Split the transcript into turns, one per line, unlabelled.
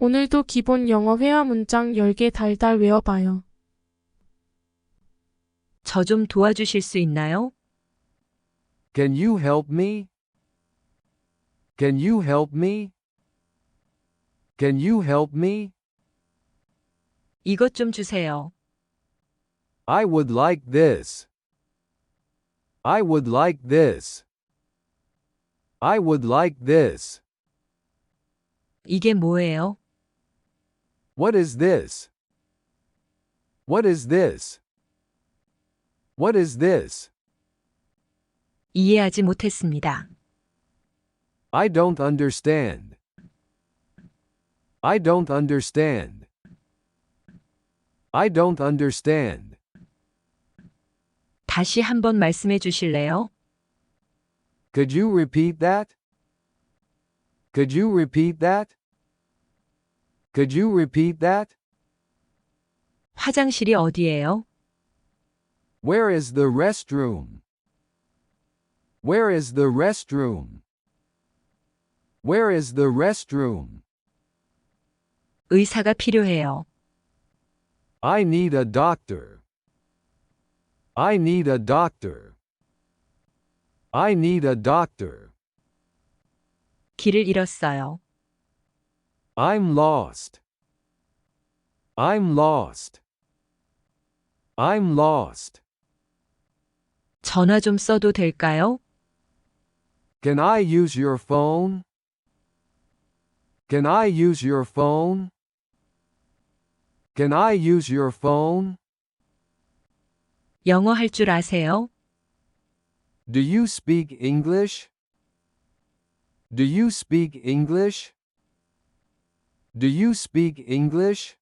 오늘도 기본 영어 회화 문장 10개 달달 외워봐요.
저 좀 도와주실 수 있나요?
Can you help me? Can you help me? Can you help me?
이것 좀 주세요.
I would like this. I would like this. I would like this.
이게 뭐예요?
What is this? What is this? What is this?
이해하지 못했습니다.
I don't understand. I don't understand. I don't understand.
다시 한번 말씀해 주실래요?
Could you repeat that? Could you repeat that? Could you repeat that?
화장실이 어디예요?
Where is the restroom? Where is the restroom? Where is the restroom?
의사가 필요해요.
I need a doctor. I need a doctor. I need a doctor.
길을 잃었어요.
I'm lost. I'm lost. I'm lost.
전화 좀 써도 될까요?
Can I use your phone? Can I use your phone? Can I use your phone?
영어 할 줄 아세요?
Do you speak English? Do you speak English? Do you speak English?